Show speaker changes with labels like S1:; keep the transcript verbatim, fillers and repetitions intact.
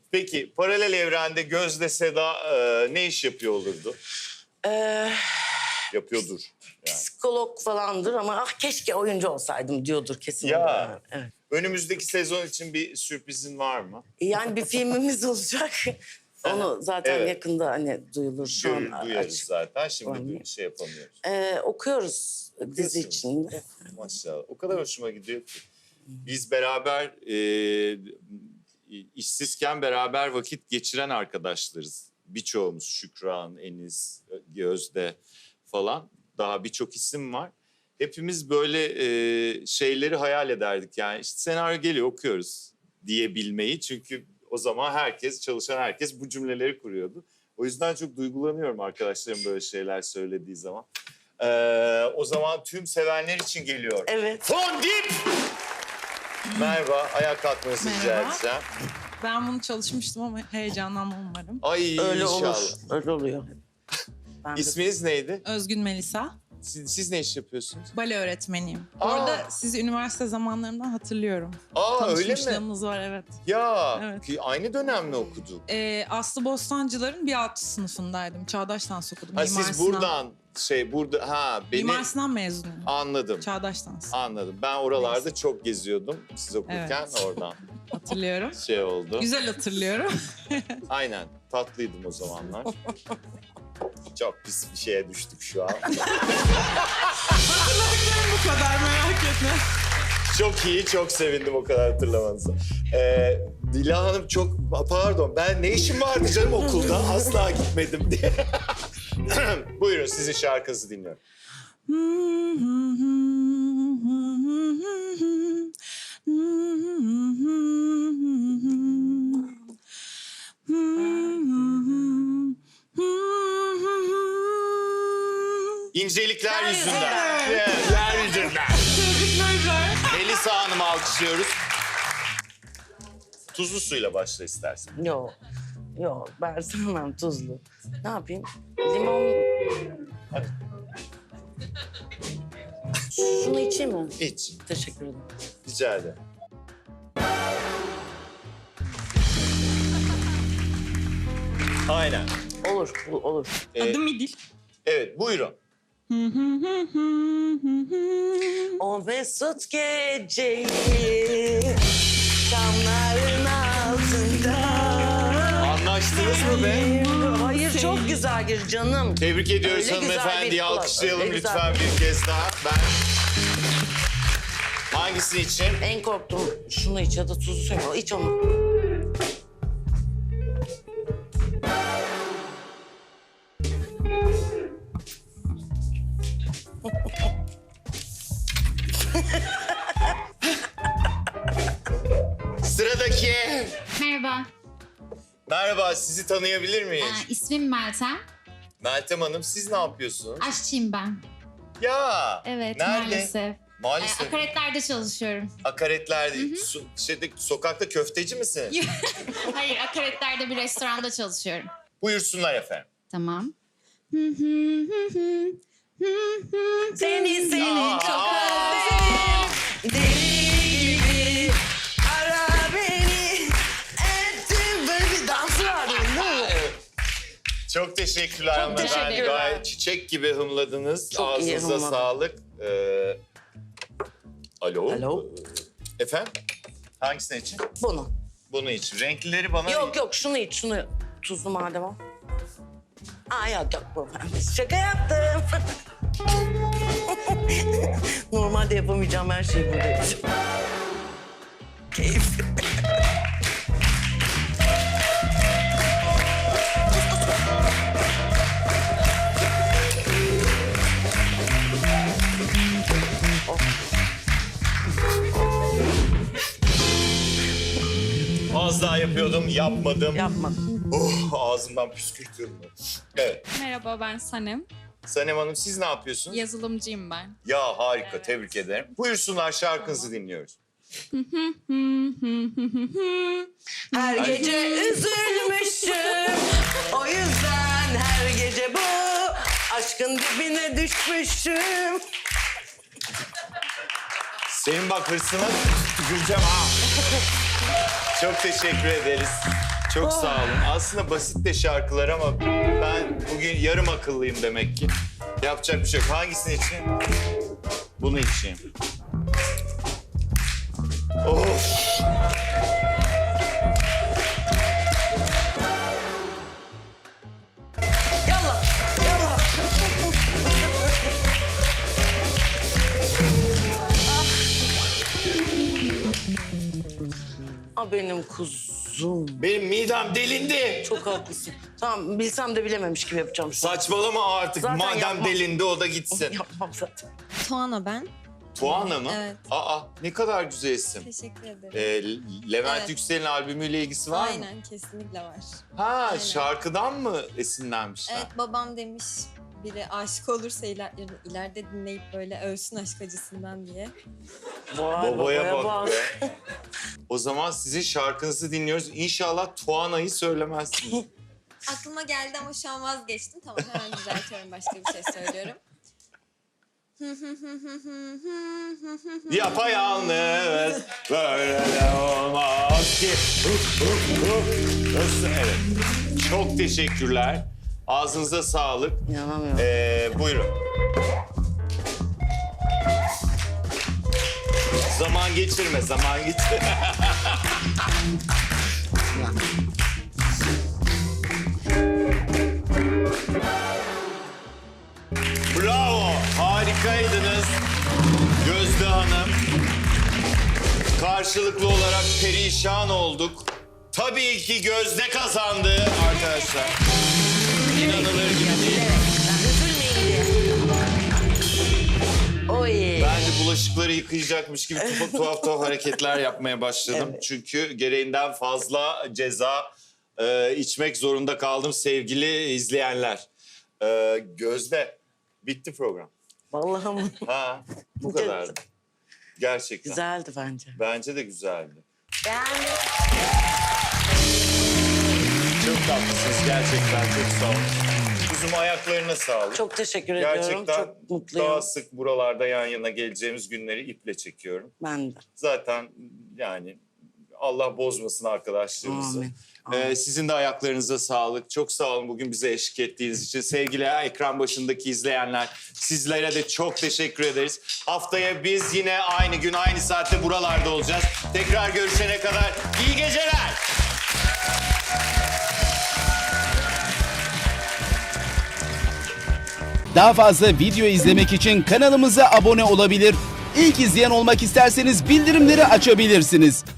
S1: Peki paralel evrende Gözde Seda e, ne iş yapıyor olurdu?
S2: Ee,
S1: Yapıyordur. Yani.
S2: psikolog falandır ama ah keşke oyuncu olsaydım diyordur kesin.
S1: Ya.
S2: Evet.
S1: Önümüzdeki sezon için bir sürprizin var mı?
S2: Yani bir filmimiz olacak. Onu zaten
S1: Evet.
S2: yakında hani duyulur. Şu
S1: Görür,
S2: an
S1: duyarız
S2: açık.
S1: zaten. Şimdi
S2: Var mı?
S1: bir şey yapamıyoruz.
S2: Ee, okuyoruz dizi için.
S1: Maşallah. O kadar hoşuma gidiyor ki. Biz beraber e, işsizken beraber vakit geçiren arkadaşlarız. Birçoğumuz Şükran, Enis, Gözde falan. Daha birçok isim var. Hepimiz böyle e, şeyleri hayal ederdik. Yani işte senaryo geliyor okuyoruz diyebilmeyi. Çünkü o zaman herkes, çalışan herkes bu cümleleri kuruyordu. O yüzden çok duygulanıyorum arkadaşlarım böyle şeyler söylediği zaman. Ee, o zaman tüm sevenler için geliyor.
S2: Evet.
S1: Fondip! Merhaba, ayağa kalkmanızı rica
S3: Merhaba.
S1: edeceğim.
S3: Ben bunu çalışmıştım ama heyecanlanmam umarım.
S1: Ay
S2: Öyle
S1: inşallah.
S2: olur. Öyle oluyor. Ben de-
S1: İsminiz neydi?
S3: Özgün Melisa,
S1: Siz, siz ne iş yapıyorsunuz?
S3: bale öğretmeniyim.
S1: Aa.
S3: Orada sizi üniversite zamanlarından hatırlıyorum.
S1: Aa öyle mi?
S3: Tanışmışlığımız var, evet.
S1: Ya
S3: Evet.
S1: ki aynı dönem mi okuduk?
S3: Ee, Aslı Bostancılar'ın bir alt sınıfındaydım. Çağdaş Dans okudum.
S1: Ha,
S3: Mimar
S1: siz
S3: Sinan-
S1: buradan şey burada ha beni
S3: Mimar Sinan mezunuyum.
S1: anladım.
S3: Çağdaş Dans.
S1: Anladım. Ben oralarda çok geziyordum siz okurken
S3: Evet.
S1: oradan
S3: Hatırlıyorum.
S1: şey oldu.
S3: Güzel hatırlıyorum.
S1: Aynen tatlıydım o zamanlar. Çok pis bir şeye düştük şu an.
S3: Bu kadar, merak etme.
S1: Çok iyi, çok sevindim o kadar hatırlamanıza. Ee, Dila Hanım çok, pardon ben ne işim vardı canım okulda asla gitmedim diye. Buyurun sizin şarkınızı dinliyorum. İncelikler
S2: Yer
S1: yüzünden.
S2: yüzünden.
S1: Yer yüzünden. Melisa Hanım'ı alkışlıyoruz. Tuzlu suyla başla istersen.
S2: Yok. Yok ben sevmem tuzlu. Ne yapayım? Limon...
S1: Hadi.
S2: Şunu içeyim mi?
S1: İç.
S2: Teşekkür ederim.
S1: Rica ederim. Aynen.
S2: Olur, bu- olur.
S1: Ee,
S3: Adım İdil.
S1: evet buyurun.
S2: O mesut geceyi şamların altında.
S1: Anlaştınız mı be?
S2: Hayır çok güzel gir canım.
S1: Tebrik ediyoruz
S2: Öyle güzel
S1: hanımefendiyi.
S2: bir kulak,
S1: Alkışlayalım
S2: öyle
S1: lütfen
S2: güzel.
S1: bir kez daha. Ben... Hangisi için?
S2: En korktuğum şunu iç ya da tuzlu suyu. İç onu.
S1: Sıradaki.
S4: Merhaba,
S1: Merhaba, sizi tanıyabilir miyiz?
S4: ee, ismim Meltem.
S1: Meltem Hanım, siz ne yapıyorsunuz?
S4: Aşçıyım ben.
S1: Ya.
S4: Evet,
S1: Nerede?
S4: maalesef. Ee,
S1: Maalesef.
S4: akaretlerde çalışıyorum.
S1: Akaretler değil. So- şeyde, sokakta köfteci misin?
S4: Hayır, akaretlerde bir restoranda çalışıyorum.
S1: Buyursunlar efendim.
S4: Tamam.
S2: Seni seni
S1: Aa,
S2: çok
S1: aa.
S2: özledim. Deli gibi ara beni. Ettim böyle bir dans vardı değil mi?
S1: Çok teşekkürler
S2: Çok
S1: hanımefendi.
S2: teşekkürler.
S1: Gayet çiçek gibi hımladınız.
S2: Çok iyi
S1: Ağzınıza
S2: hımladım.
S1: sağlık. Ee, alo.
S2: Alo.
S1: Ee, Efendim? Hangisini için?
S2: Bunu.
S1: Bunu için. Renklileri bana...
S2: Yok yok şunu iç şunu. Tuzlu madem o. Aa yok yok bu. Şaka yaptım. Normalde yapamayacağım her şeyi burada yapacağım. Keyif.
S1: Az daha yapıyordum, yapmadım.
S2: Yapma.
S1: Oh, ağzımdan püskürtüyorum. Evet.
S5: Merhaba, ben Sanem.
S1: Sanem Hanım siz ne yapıyorsunuz?
S5: Yazılımcıyım ben.
S1: Ya harika,
S5: Evet.
S1: tebrik ederim. Buyursunlar şarkınızı dinliyoruz.
S2: Her gece üzülmüşüm. O yüzden her gece bu aşkın dibine düşmüşüm.
S1: Senin bak hırsına tüküreceğim ha. Çok teşekkür ederiz. Çok sağ olun. Aslında basit de şarkılar ama ben bugün yarım akıllıyım demek ki. Yapacak bir şey yok. Hangisini için? Bunu içeyim. Of!
S2: Yallah, yallah. Ah benim kuzum.
S1: Benim midem delindi.
S2: Çok haklısın. Tamam bilsem de bilememiş gibi yapacağım. şu an.
S1: Saçmalama artık.
S2: Zaten
S1: Madem
S2: yapmam.
S1: delindi o da gitsin.
S2: Yapmam zaten.
S6: Tuana ben.
S1: Tuana mı?
S6: Evet.
S1: Aa ne kadar güzel isim.
S6: Teşekkür ederim.
S1: Ee, Levent
S6: Evet.
S1: Yüksel'in albümüyle ilgisi var mı?
S6: Aynen kesinlikle var.
S1: Ha
S6: Aynen.
S1: şarkıdan mı esinlenmişler?
S6: Evet babam demiş biri aşık olursa iler, ileride dinleyip böyle ölsün aşk acısından diye.
S2: Vay,
S1: Babaya bak be. O zaman sizin şarkınızı dinliyoruz. İnşallah Tuana'yı söylemezsiniz.
S6: Aklıma geldi ama şu an vazgeçtim. Tamam hemen düzeltiyorum başka bir şey söylüyorum.
S1: Yapayalnız böyle de olmaz ki. Nasıl? Evet. Çok teşekkürler. Ağzınıza sağlık.
S2: İnanamıyorum.
S1: Ee, buyurun. Zaman geçirme, zaman geçirme. Bravo, harikaydınız Gözde Hanım. Karşılıklı olarak perişan olduk. Tabii ki Gözde kazandı arkadaşlar. İnanılır gibi değil.
S2: Oy.
S1: Ben de bulaşıkları yıkayacakmış gibi tuhaf tuhaf, tuhaf hareketler yapmaya başladım.
S2: Evet.
S1: Çünkü gereğinden fazla ceza e, içmek zorunda kaldım sevgili izleyenler. E, Gözde, bitti program.
S2: Vallahi mı?
S1: Ha, bu kadardı. Gerçekten.
S2: Güzeldi bence.
S1: Bence de güzeldi.
S2: Beğendim.
S1: Çok tatlısınız gerçekten, çok sağ olun. Kuzum ayaklarına sağlık.
S2: Çok teşekkür ediyorum.
S1: Gerçekten
S2: Çok mutluyum.
S1: daha sık buralarda yan yana geleceğimiz günleri iple çekiyorum.
S2: Ben de.
S1: Zaten yani Allah bozmasın arkadaşlığımızı.
S2: Amin.
S1: Ee, sizin de ayaklarınıza sağlık. Çok sağ olun bugün bize eşlik ettiğiniz için. Sevgili ekran başındaki izleyenler, sizlere de çok teşekkür ederiz. Haftaya biz yine aynı gün aynı saatte buralarda olacağız. Tekrar görüşene kadar iyi geceler.
S7: Daha fazla video izlemek için kanalımıza abone olabilir. İlk izleyen olmak isterseniz bildirimleri açabilirsiniz.